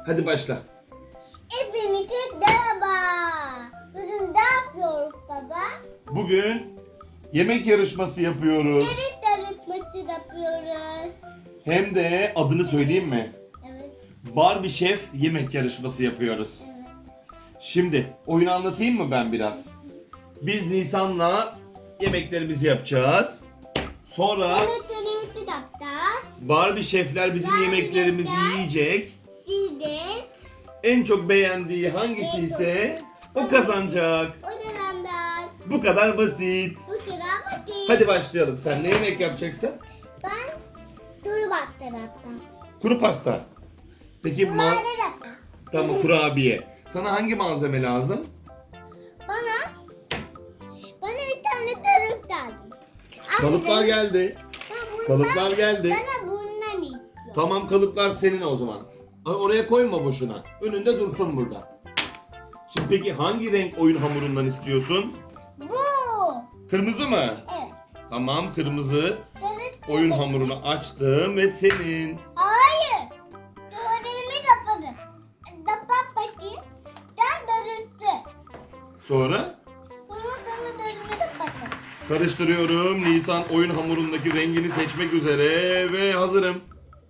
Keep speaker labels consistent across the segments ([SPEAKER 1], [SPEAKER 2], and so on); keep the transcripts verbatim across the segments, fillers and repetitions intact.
[SPEAKER 1] Hadi başla.
[SPEAKER 2] Hepinize merhaba. Bugün ne yapıyoruz baba?
[SPEAKER 1] Bugün yemek yarışması yapıyoruz.
[SPEAKER 2] Yemek yarışması yapıyoruz.
[SPEAKER 1] Hem de adını söyleyeyim mi?
[SPEAKER 2] Evet.
[SPEAKER 1] Barbie Şef yemek yarışması yapıyoruz.
[SPEAKER 2] Evet.
[SPEAKER 1] Şimdi oyunu anlatayım mı ben biraz? Biz Nisan'la yemeklerimizi yapacağız. Sonra
[SPEAKER 2] Yemeklerimizi yapacağız.
[SPEAKER 1] Barbie Şefler bizim
[SPEAKER 2] Barbie
[SPEAKER 1] yemeklerimizi
[SPEAKER 2] Şefler.
[SPEAKER 1] yiyecek.
[SPEAKER 2] Diyeceğiz.
[SPEAKER 1] En çok beğendiği hangisi ise o kazanacak.
[SPEAKER 2] O dönemden
[SPEAKER 1] Bu kadar basit.
[SPEAKER 2] bu sıra bakayım.
[SPEAKER 1] Hadi başlayalım. Sen ne yemek yapacaksın?
[SPEAKER 2] Ben duru baktı yaptım.
[SPEAKER 1] Kuru pasta. Peki ma
[SPEAKER 2] Bunları yaptım.
[SPEAKER 1] tamam, kurabiye. Sana hangi malzeme lazım?
[SPEAKER 2] Bana bana bir tane tarif lazım.
[SPEAKER 1] Kalıplar geldi.
[SPEAKER 2] Ben bundan-
[SPEAKER 1] Kalıplar geldi.
[SPEAKER 2] Bana bundan istiyorum.
[SPEAKER 1] Tamam, kalıplar senin o zaman. Ay, oraya koyma boşuna. Önünde dursun burada. Şimdi peki hangi renk oyun hamurundan istiyorsun?
[SPEAKER 2] Bu.
[SPEAKER 1] Kırmızı mı?
[SPEAKER 2] Evet.
[SPEAKER 1] Tamam, kırmızı.
[SPEAKER 2] Tarif
[SPEAKER 1] Oyun
[SPEAKER 2] yapacağım.
[SPEAKER 1] hamurunu açtım ve senin.
[SPEAKER 2] Hayır. Tuvaletimi kapadım. Kapat bakayım. Sen dönüştü.
[SPEAKER 1] Sonra
[SPEAKER 2] Bunu dönü dönümü kapattım.
[SPEAKER 1] karıştırıyorum. Nisan oyun hamurundaki rengini seçmek üzere ve hazırım.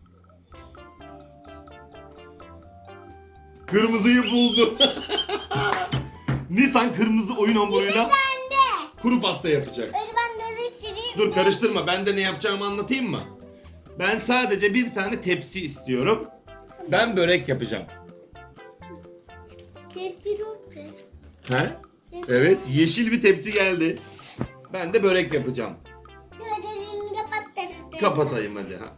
[SPEAKER 1] Kırmızıyı buldu. Nisan kırmızı oyun hamuruyla
[SPEAKER 2] Ben de.
[SPEAKER 1] kuru pasta yapacak.
[SPEAKER 2] Öyle ben dönüştüreyim.
[SPEAKER 1] Dur, karıştırma. Ben de ne yapacağımı anlatayım mı? Ben sadece bir tane tepsi istiyorum. Ben börek yapacağım.
[SPEAKER 2] Dönüştürüyorum.
[SPEAKER 1] He? Evet, yeşil bir tepsi geldi. Ben de börek yapacağım.
[SPEAKER 2] Tuvaletimi kapattım.
[SPEAKER 1] Kapatayım hadi. Ha.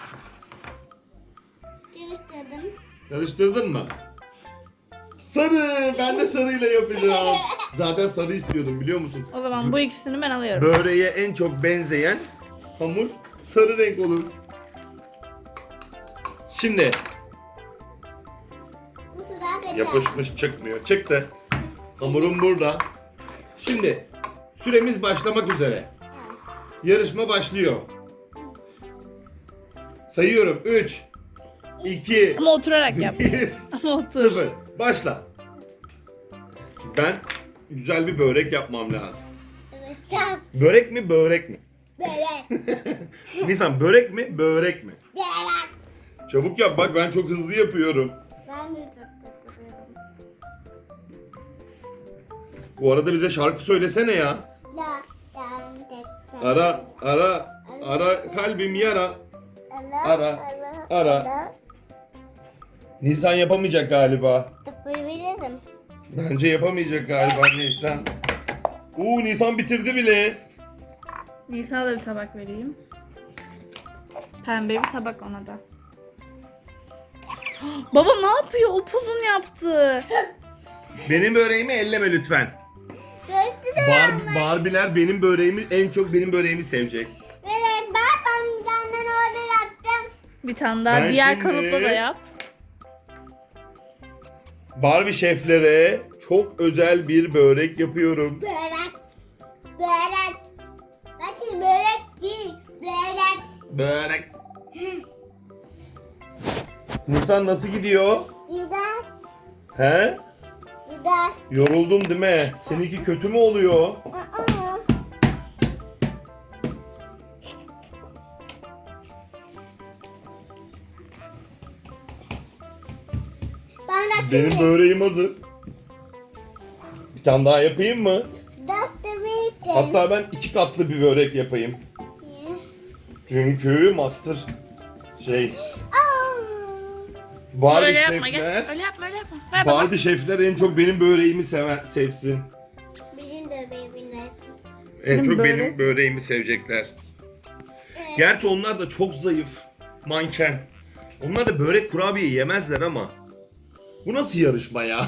[SPEAKER 2] Dönüştürdüm.
[SPEAKER 1] Karıştırdın mı? Sarı! Ben de sarıyla yapacağım. Zaten sarı istiyordum, biliyor musun?
[SPEAKER 3] O zaman bu ikisini ben alıyorum.
[SPEAKER 1] Böreğe en çok benzeyen hamur sarı renk olur. Şimdi
[SPEAKER 2] Bu sıra bende.
[SPEAKER 1] yapışmış, çıkmıyor. Çıktı. Hamurum burada. Şimdi süremiz başlamak üzere.
[SPEAKER 2] Evet.
[SPEAKER 1] Yarışma başlıyor. Sayıyorum. üç, iki,
[SPEAKER 3] Ama oturarak yap.
[SPEAKER 1] bir,
[SPEAKER 3] Ama otur.
[SPEAKER 1] sıfır. Başla. Ben güzel bir börek yapmam lazım.
[SPEAKER 2] Evet. Tamam.
[SPEAKER 1] Börek mi, börek mi?
[SPEAKER 2] Böyle.
[SPEAKER 1] Nisan, börek mi, börek mi?
[SPEAKER 2] Böyle.
[SPEAKER 1] Çabuk yap, bak ben çok hızlı yapıyorum.
[SPEAKER 2] Ben de çok seviyorum.
[SPEAKER 1] Bu arada bize şarkı söylesene ya.
[SPEAKER 2] La, dan, tek, tek.
[SPEAKER 1] Ara, ara, ara kalbim yara.
[SPEAKER 2] Ala,
[SPEAKER 1] Ara, ara. Nisan yapamayacak galiba.
[SPEAKER 2] Tıpırabilirim.
[SPEAKER 1] Bence yapamayacak galiba Nisan. Uuu, Nisan bitirdi bile.
[SPEAKER 3] Nisan'a da bir tabak vereyim. Pembe bir tabak ona da. Baba ne yapıyor? Upuzun yaptı.
[SPEAKER 1] Benim böreğimi elleme lütfen.
[SPEAKER 2] Gördün
[SPEAKER 1] Bar Barbiler benim böreğimi, en çok benim böreğimi sevecek.
[SPEAKER 2] Böyle bak ben bir tane orada yaptım.
[SPEAKER 3] Bir tane daha
[SPEAKER 1] Ben
[SPEAKER 3] diğer
[SPEAKER 1] şimdi-
[SPEAKER 3] kalıpla da yap.
[SPEAKER 1] Barbie şeflere çok özel bir börek yapıyorum.
[SPEAKER 2] Börek. Börek. Bakın börek değil. Börek.
[SPEAKER 1] Börek. Nisan nasıl gidiyor?
[SPEAKER 2] Güzel.
[SPEAKER 1] He?
[SPEAKER 2] Güzel.
[SPEAKER 1] Yoruldun değil mi? Seninki kötü mü oluyor?
[SPEAKER 2] Aa. Ben de
[SPEAKER 1] Benim böreğim hazır. Bir tane daha yapayım mı?
[SPEAKER 2] Dört
[SPEAKER 1] Hatta ben iki katlı bir börek yapayım. Çünkü master şey Barbie
[SPEAKER 3] Öyle yapma gel.
[SPEAKER 1] şefler
[SPEAKER 3] Öyle yapma öyle yapma. Ver baba.
[SPEAKER 1] Barbie şefler en çok benim böreğimi sever, sevsin.
[SPEAKER 2] Benim de bebeğimle.
[SPEAKER 1] En
[SPEAKER 3] Benim
[SPEAKER 1] çok
[SPEAKER 3] börek.
[SPEAKER 1] benim böreğimi sevecekler. Gerçi onlar da çok zayıf. Manken. Onlar da börek kurabiye yemezler ama. Bu nasıl yarışma ya?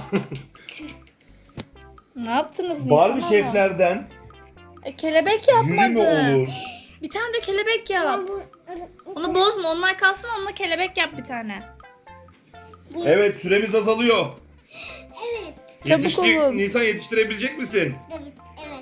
[SPEAKER 3] Ne yaptınız
[SPEAKER 1] Barbie
[SPEAKER 3] Nisan
[SPEAKER 1] şeflerden
[SPEAKER 3] E, kelebek
[SPEAKER 1] jüri mi
[SPEAKER 3] yapmadı.
[SPEAKER 1] olur?
[SPEAKER 3] Bir tane de kelebek yap.
[SPEAKER 2] Ben bu-
[SPEAKER 3] Onu bozma, onlar kalsın, onunla kelebek yap bir tane.
[SPEAKER 1] Evet, süremiz azalıyor.
[SPEAKER 2] Evet.
[SPEAKER 3] Çabuk
[SPEAKER 1] Yetiştir,
[SPEAKER 3] olun.
[SPEAKER 1] Nisan yetiştirebilecek misin?
[SPEAKER 2] Evet. Evet.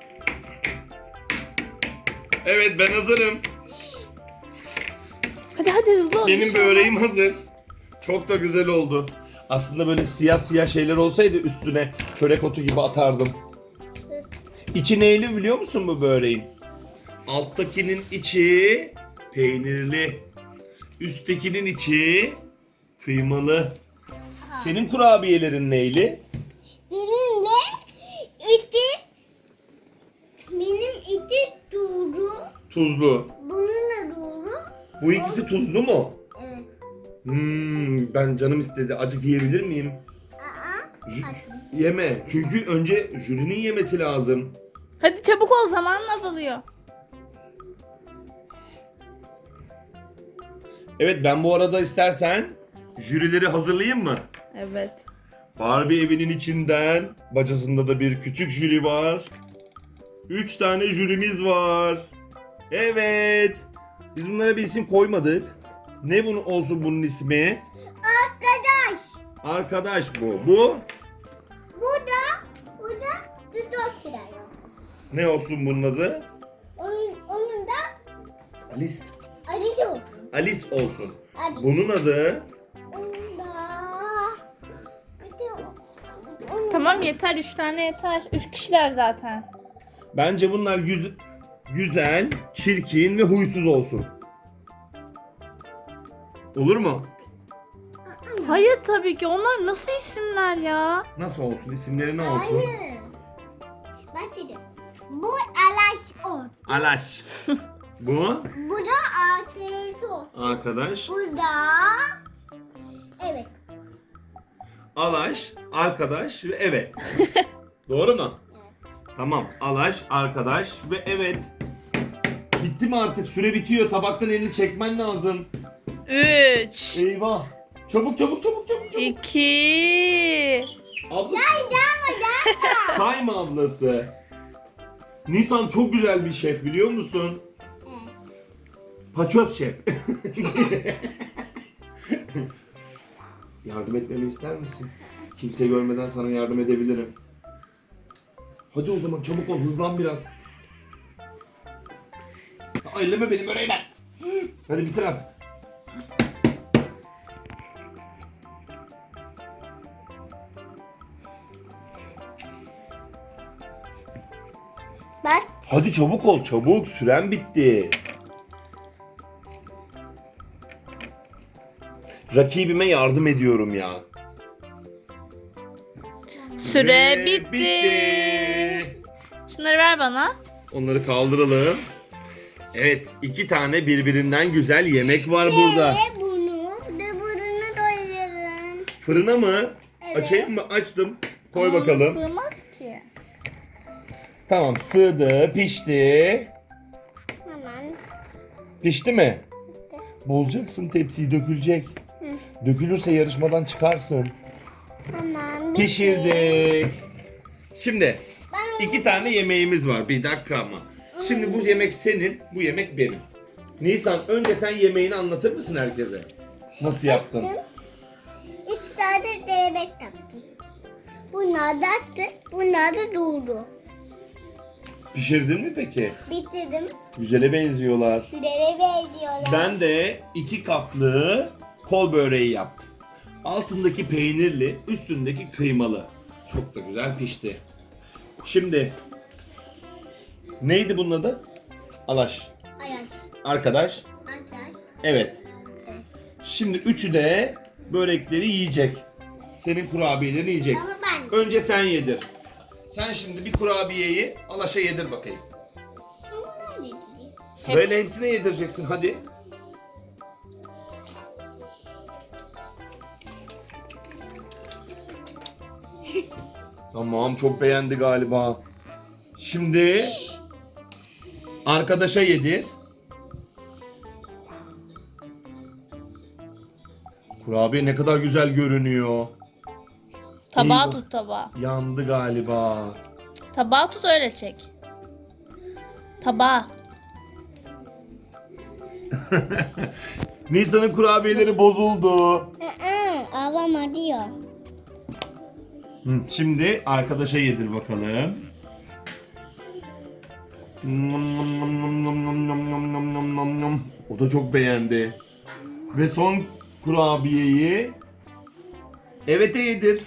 [SPEAKER 1] Evet, ben hazırım.
[SPEAKER 3] Hadi hadi hızlı ol. bir
[SPEAKER 1] Benim
[SPEAKER 3] şey
[SPEAKER 1] böreğim
[SPEAKER 3] olmaz.
[SPEAKER 1] hazır. Çok da güzel oldu. Aslında böyle siyah siyah şeyler olsaydı üstüne çörek otu gibi atardım. İçi neyli biliyor musun bu böreğin? Alttakinin içi peynirli. Üsttekinin içi kıymalı. Senin kurabiyelerin neyli?
[SPEAKER 2] Benim de içi benim içi tuzlu.
[SPEAKER 1] Tuzlu.
[SPEAKER 2] Bunun da tuzlu.
[SPEAKER 1] Bu ikisi tuzlu mu?
[SPEAKER 2] Evet.
[SPEAKER 1] Hmm, ben canım istedi. Acık yiyebilir miyim?
[SPEAKER 2] Aa.
[SPEAKER 1] Jü-
[SPEAKER 2] Hadi.
[SPEAKER 1] Yeme. Çünkü önce jürinin yemesi lazım.
[SPEAKER 3] Hadi çabuk ol, zamanın azalıyor.
[SPEAKER 1] Evet, ben bu arada istersen jürileri hazırlayayım mı?
[SPEAKER 3] Evet.
[SPEAKER 1] Barbie evinin içinden bacasında da bir küçük jüri var. Üç tane jürimiz var. Evet. Biz bunlara bir isim koymadık. Ne bunun olsun bunun ismi?
[SPEAKER 2] Arkadaş.
[SPEAKER 1] Arkadaş bu. Bu
[SPEAKER 2] Bu da bu da tutok sırayı.
[SPEAKER 1] ne olsun bunun adı?
[SPEAKER 2] Onun, onun da
[SPEAKER 1] Alice.
[SPEAKER 2] acısı oldu.
[SPEAKER 1] Alice olsun.
[SPEAKER 2] Acısı.
[SPEAKER 1] Bunun adı
[SPEAKER 2] Onun da bir de onun
[SPEAKER 3] Tamam yeter, üç tane yeter. Üç kişiler zaten.
[SPEAKER 1] bence bunlar güz- güzel, çirkin ve huysuz olsun. Olur mu?
[SPEAKER 3] Hayır tabii ki, onlar nasıl isimler ya?
[SPEAKER 1] Nasıl olsun? İsimleri ne olsun?
[SPEAKER 2] Hayır. Bak dedim. Bu alaş ot.
[SPEAKER 1] Alaş. Bu
[SPEAKER 2] Bu da arkadaş ot.
[SPEAKER 1] arkadaş.
[SPEAKER 2] Bu da evet.
[SPEAKER 1] Alaş, arkadaş ve evet. Doğru mu? Tamam. Alaş, arkadaş ve evet. Bitti mi artık? Süre bitiyor. Tabaktan elini çekmen lazım.
[SPEAKER 3] Üç.
[SPEAKER 1] Eyvah. Çabuk çabuk çabuk çabuk çabuk.
[SPEAKER 3] İki.
[SPEAKER 1] Ablası. Sayma ablası. Nisan çok güzel bir şef biliyor musun? Paçoz şef. Yardım etmemi ister misin? Kimse görmeden sana yardım edebilirim. Hadi o zaman çabuk ol, hızlan biraz. Aa, elleme benim böreği ben. Hadi bitir artık.
[SPEAKER 2] Bak.
[SPEAKER 1] Hadi çabuk ol, çabuk. Süren bitti. Rakibime yardım ediyorum ya.
[SPEAKER 3] Süre
[SPEAKER 1] Ve
[SPEAKER 3] bitti. Şunları ver bana.
[SPEAKER 1] Onları kaldıralım. Evet, iki tane birbirinden güzel yemek var burada.
[SPEAKER 2] Ve bunu da bunu doyuralım.
[SPEAKER 1] Fırına mı?
[SPEAKER 2] Evet.
[SPEAKER 1] Açayım mı? Açtım. Koy
[SPEAKER 3] Ama
[SPEAKER 1] bakalım.
[SPEAKER 3] sığmaz ki.
[SPEAKER 1] Tamam, sığdı, pişti.
[SPEAKER 2] Hemen.
[SPEAKER 1] Pişti mi? Bozacaksın tepsiyi, dökülecek. Dökülürse yarışmadan çıkarsın.
[SPEAKER 2] Hemen.
[SPEAKER 1] Pişirdik. Şimdi
[SPEAKER 2] Ben
[SPEAKER 1] iki tane yemeğimiz var. Bir dakika ama. Şimdi bu yemek senin, bu yemek benim. Nisan, önce sen yemeğini anlatır mısın herkese? Nasıl yaptın?
[SPEAKER 2] üç tane yemek yaptım. Bunlar da attı, bunlar da durdu.
[SPEAKER 1] Pişirdin mi peki?
[SPEAKER 2] Bitirdim.
[SPEAKER 1] Güzele benziyorlar.
[SPEAKER 2] Sürele veriyorlar.
[SPEAKER 1] Ben de iki kaplı kol böreği yaptım. Altındaki peynirli, üstündeki kıymalı. Çok da güzel pişti. Şimdi neydi bunun adı? Alaş.
[SPEAKER 2] Ayaş.
[SPEAKER 1] Arkadaş.
[SPEAKER 2] Ayaş.
[SPEAKER 1] Evet. Şimdi üçü de börekleri yiyecek. Senin kurabiyelerini yiyecek.
[SPEAKER 2] Ama ben.
[SPEAKER 1] Önce sen yedir. Sen şimdi bir kurabiyeyi Alaş'a yedir bakayım.
[SPEAKER 2] Bunlar ne?
[SPEAKER 1] Sırayla hepsine yedireceksin hadi. Tamam, çok beğendi galiba. Şimdi arkadaşa yedir. Kurabiye ne kadar güzel görünüyor.
[SPEAKER 3] Tabağı
[SPEAKER 1] Eyvah.
[SPEAKER 3] tut tabağı.
[SPEAKER 1] Yandı galiba.
[SPEAKER 3] Tabağı tut, öyle çek. Tabağı.
[SPEAKER 1] Nisan'ın kurabiyeleri bozuldu.
[SPEAKER 2] Aa, avama diyor.
[SPEAKER 1] Hı, şimdi arkadaşa yedir bakalım. Nom nom nom nom nom nom nom nom nom nom nom. O da çok beğendi. Ve son kurabiyeyi Evet'e yedir.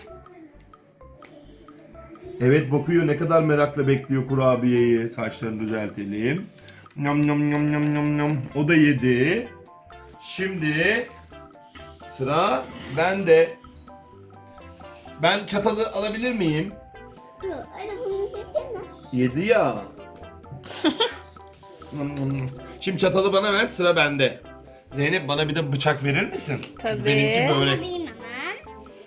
[SPEAKER 1] Evet bakıyor, ne kadar merakla bekliyor kurabiyeyi. Saçlarını düzeltelim. Nam nam nam nam nam nam. O da yedi. Şimdi sıra bende. Ben çatalı alabilir miyim?
[SPEAKER 2] Yok, öyle bunu yedin mi?
[SPEAKER 1] Yedi ya. Nam nam nam. Şimdi çatalı bana ver, sıra bende. Zeynep bana bir de bıçak verir misin? Çünkü
[SPEAKER 3] Tabii.
[SPEAKER 1] benimki böyle.
[SPEAKER 2] Alayım hemen.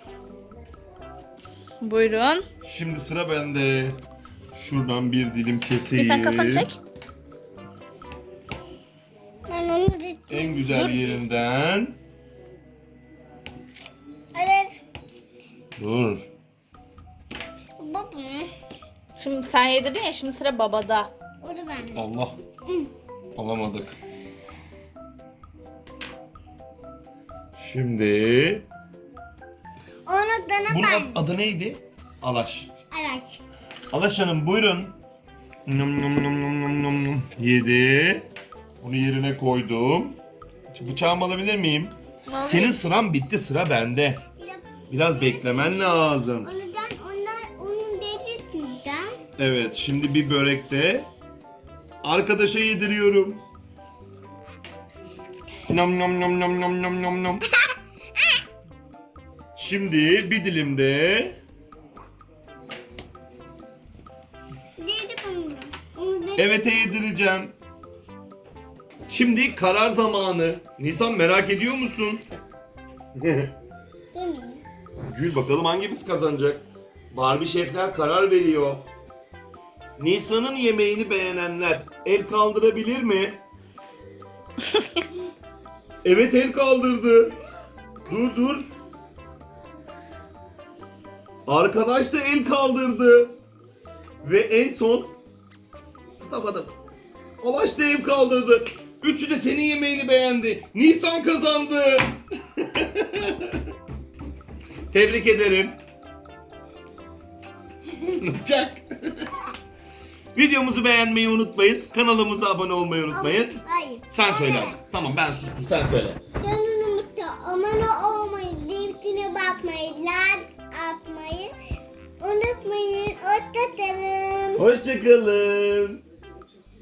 [SPEAKER 3] Buyurun.
[SPEAKER 1] Şimdi sıra bende. Şuradan bir dilim keseyim.
[SPEAKER 3] Nisan kafanı çek.
[SPEAKER 2] Ben onu ritim.
[SPEAKER 1] En güzel yerinden.
[SPEAKER 2] Evet.
[SPEAKER 1] Dur.
[SPEAKER 2] Baba.
[SPEAKER 3] Şimdi sen yedirdin ya, şimdi sıra babada.
[SPEAKER 2] O da bende.
[SPEAKER 1] Allah. Alamadık. Şimdi
[SPEAKER 2] Onu dana
[SPEAKER 1] bunun
[SPEAKER 2] ben.
[SPEAKER 1] ad- adı neydi? Alaş.
[SPEAKER 2] Araç.
[SPEAKER 1] Alaş Hanım buyurun. Nom nom nom nom nom nom nom. Yedi. Bunu yerine koydum. Şimdi bıçağımı alabilir miyim?
[SPEAKER 3] Ne
[SPEAKER 1] Senin sıran bitti, sıra bende. Biraz beklemen lazım.
[SPEAKER 2] Ondan onlar onun dediğinden.
[SPEAKER 1] Evet, şimdi bir börekte arkadaşa yediriyorum. Nom nom nom nom nom nom nom nom. Şimdi bir dilim de
[SPEAKER 2] Dedi bunu. Onu dedi.
[SPEAKER 1] Evet'e yedireceğim. Şimdi karar zamanı. Nisan merak ediyor musun?
[SPEAKER 2] Demeyeyim.
[SPEAKER 1] Gül bakalım hangimiz kazanacak? Barbie şefler karar veriyor. Nisan'ın yemeğini beğenenler el kaldırabilir mi? Evet, el kaldırdı. Dur dur. Arkadaş da el kaldırdı. Ve en son tutamadım. Alaş da el kaldırdı. Üçü de senin yemeğini beğendi. Nisan kazandı. Tebrik ederim. Çak. Videomuzu beğenmeyi unutmayın. Kanalımıza abone olmayı unutmayın.
[SPEAKER 2] Hayır.
[SPEAKER 1] Sen söyle. Tamam ben sustum. Sen söyle.
[SPEAKER 2] Canınımızda abone olmayı, linkine bakmayı, like atmayı unutmayın. Hoşçakalın.
[SPEAKER 1] Hoşçakalın.